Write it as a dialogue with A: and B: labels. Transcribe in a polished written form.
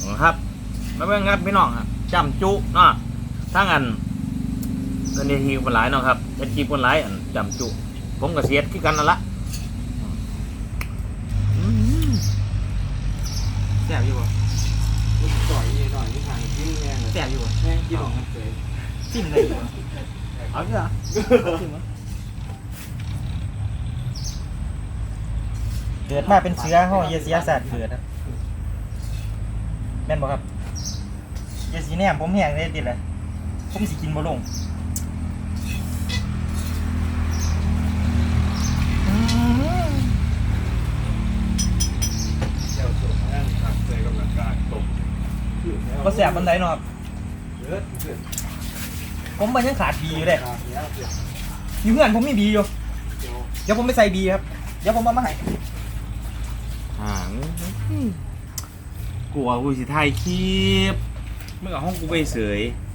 A: ครับมาเบิ่งครับพี่น้องครับจำจุเนาะทั้งอันนี่ทีคนหลายเนาะครับเป็นจีคนหลายอันจำจุผมกับเสียดคือกันนั่นละ
B: แสบอยู่บ่
C: จ่อยหน่อยที่ทางที่แง่
B: แสบอยู่บ่
C: แง่ที่หลงมันเสย
B: จิ้มเลยอยู่บ่เอาดิเหรอจิ้มมั้ยเกิดมาเป็นเชื้อห้องเยเสียศาสตร์เกิดครับแม่นบ่ครับเยสีแหนมผมแห้งได้ติดเลยผมสิกินบ่ลง
C: เจ้าส่งนั่งขับเสยกำลังกายตก
B: บ่แสบปานใดเนาะครับ
C: เยอะเกิน
B: ผมมันยังขาดบีอยู่เลย
C: เนี้ยเกิน
B: อยู่เพื่อนผมมีบีอยู่
C: เดี๋ยว
B: เดี๋ยวผมไปใส่บีครับเดี๋ยวผมเอามาให้
A: ห่างกลัวกูสิถ่ายคลิปมึงเอาห้องกูไปเสย